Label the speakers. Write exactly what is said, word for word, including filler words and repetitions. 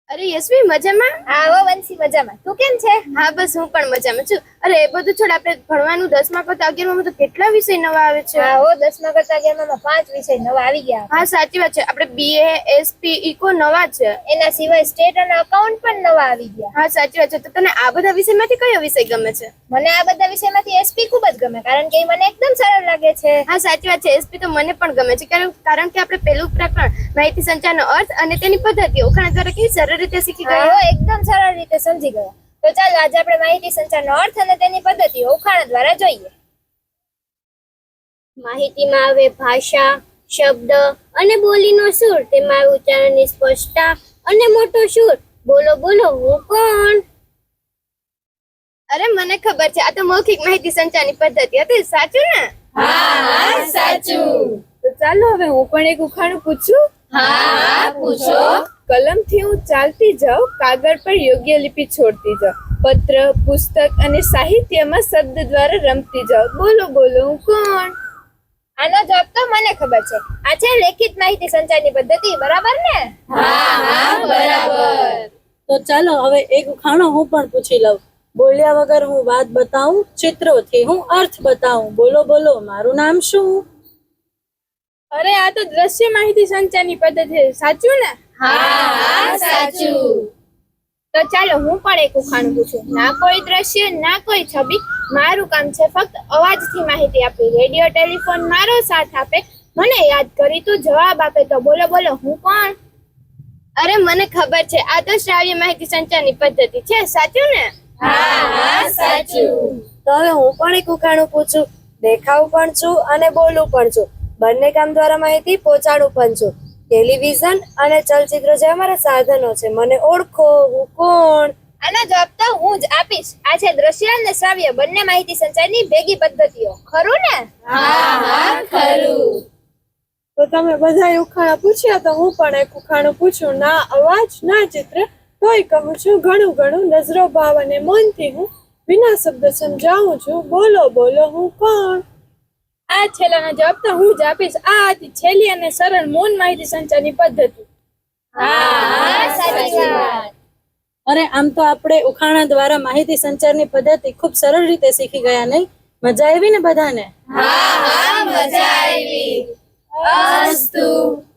Speaker 1: અરે યશવી મજામાં?
Speaker 2: હા હો વંશી મજામાં. તું કેમ છે?
Speaker 1: હા બસ હું પણ મજામાં છું. અરે એ બધું છોડ, આપણે ભણવાનું દસમા કરતા અગિયારમાં તો કેટલા વિષય નવા આવે છે.
Speaker 2: હા હો દસમા કરતા અગિયારમાં પાંચ વિષય નવા આવી ગયા.
Speaker 1: હા સાચી વાત છે. આપણે બીએ, એસપી, ઇકો નવા છે.
Speaker 2: એના સિવાય સ્ટેટ અને અકાઉન્ટ પણ નવા આવી ગયા.
Speaker 1: હા સાચી વાત છે. તો તને આ બધા વિષયમાંથી કયો વિષય ગમે છે?
Speaker 2: મને આ બધા વિષયમાંથી એસપી ખૂબ જ ગમે, કારણ કે એ મને એકદમ સરળ લાગે છે.
Speaker 1: હા સાચી વાત છે. એસપી તો મને પણ ગમે છે, કારણ કારણ કે આપણે પેલું પ્રકરણ માહિતી સંચારનો અર્થ અને તેની પદ્ધતિ ઉખાણા દ્વારા કેવી સરળ રીતે શીખી
Speaker 2: હા
Speaker 1: ગયા.
Speaker 2: હો એકદમ સરળ રીતે સમજી ગયા. તો ચાલો આજે આપણે માહિતી સંચારનો અર્થ અને તેની પદ્ધતિઓ ઉખાણા દ્વારા જોઈએ.
Speaker 3: માહિતીમાં આવે ભાષા, શબ્દ અને બોલીનો સૂર, તેમાં આવે ઉચ્ચારણની સ્પષ્ટતા અને મોટો સૂર. બોલો બોલો હું કોણ?
Speaker 1: અરે મને ખબર છે, આ તો મૌખિક માહિતી સંચારની પદ્ધતિ હતી. સાચું ને?
Speaker 3: હા સાચું.
Speaker 1: તો ચાલો હવે હું પણ એક ઉખાણું પૂછું.
Speaker 3: હા પૂછો.
Speaker 1: કલમથી હું ચાલતી જાઉં, કાગળ પર યોગ્ય લિપિ છોડતી જાઉં, પત્ર, પુસ્તક અને સાહિત્યમાં શબ્દ દ્વારા રમતી જાઉં. બોલો બોલો હું કોણ?
Speaker 2: આનો જવાબ તો મને ખબર છે. આ છે લેખિત માહિતી સંચારની પદ્ધતિ. બરાબર ને?
Speaker 3: હા હા બરાબર.
Speaker 4: તો ચાલો હવે એક ઉખાણો હું પણ પૂછી લઉં. બોલ્યા વગર હું વાત બતાવું, ચિત્રોથી હું અર્થ બતાવું. બોલો બોલો મારું નામ શું?
Speaker 1: અરે આ તો દ્રશ્ય માહિતી સંચારની પદ્ધતિ છે. સાચું ને?
Speaker 3: હા હા સાચું.
Speaker 1: તો ચાલો હું પણ એક ઉખાણું પૂછું. ના કોઈ દ્રશ્ય, ના કોઈ છબી, મારું કામ છે ફક્ત અવાજથી માહિતી આપવી. રેડિયો, ટેલિફોન મારો સાથ આપે, મને યાદ કરી તું જવાબ આપે. તો બોલો બોલો હું કોણ? અરે મને ખબર છે, આ તો શ્રાવ્ય માહિતી સંચારની પદ્ધતિ છે. સાચું ને?
Speaker 3: હા હા સાચું.
Speaker 4: તો હવે હું પણ એક ઉખાણું પૂછું. દેખાવ પણ છું અને બોલું પણ છું, બંને કામ દ્વારા માહિતી પહોંચાડું પણ છું. ટેલિવિઝન અને ચલચિત્ર જે અમારા સાધનો છે, મને ઓળખો હું કોણ?
Speaker 2: આનો જવાબ તો હું જ આપીશ. આ છે દ્રશ્ય અને શ્રાવ્ય બંને માહિતી સંચારની ભેગી પદ્ધતિઓ. ખરું ને?
Speaker 3: હા હા ખરું.
Speaker 5: તો તમે બધા ઉખાણા પૂછ્યા, તો હું પણ એક ઉખાણું પૂછું. ના અવાજ ના ચિત્ર, તોય કહું છું ઘણું ઘણું. નજરો ભાવ અને મૌનથી હું વિના શબ્દ સમજાવું છું. બોલો બોલો હું કોણ?
Speaker 1: આ છેલ્લાનો જવાબ તો હું જ આપીશ. આ હતી છેલ્લી અને સરળ મૌન માહિતી સંચારની પદ્ધતિ.
Speaker 3: હા હા સાચી વાત.
Speaker 4: અરે આમ તો આપણે ઉખાણા દ્વારા માહિતી સંચારની પદ્ધતિ ખૂબ સરળ રીતે શીખી ગયા, નહીં? મજા આવી ને બધાને?
Speaker 3: હા હા મજા આવી. અસ્તુ.